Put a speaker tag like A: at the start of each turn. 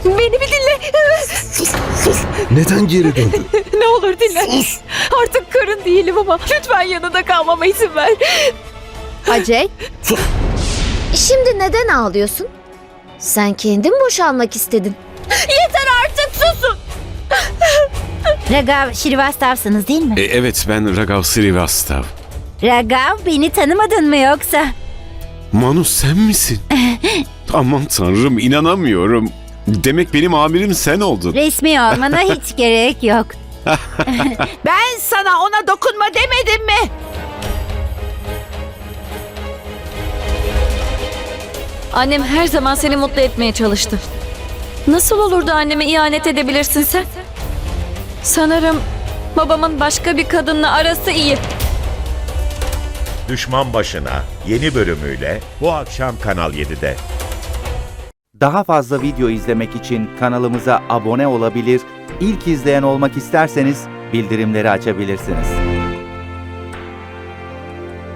A: Beni bir dinle.
B: Sus. Neden geri döndün?
A: Ne olur dinle.
B: Sus.
A: Artık karın değilim ama lütfen yanında kalmama izin ver.
C: Acey,
B: Sus.
C: şimdi neden ağlıyorsun? Sen kendin boşanmak istedin.
A: Yeter artık, susun.
D: Ragav Şirivastav'sınız değil mi?
E: Evet, ben Ragav Srivastav.
D: Ragav, beni tanımadın mı yoksa?
E: Manu, sen misin? Aman tanrım, inanamıyorum. Demek benim amirim sen oldun.
D: Resmi olmana hiç gerek yok.
F: Ben sana ona dokunma demedim mi?
A: Annem her zaman seni mutlu etmeye çalıştı. Nasıl olur da anneme ihanet edebilirsin sen? Sanırım babamın başka bir kadınla arası iyi.
G: Düşman Başına yeni bölümüyle bu akşam Kanal 7'de.
H: Daha fazla video izlemek için kanalımıza abone olabilir, ilk izleyen olmak isterseniz bildirimleri açabilirsiniz.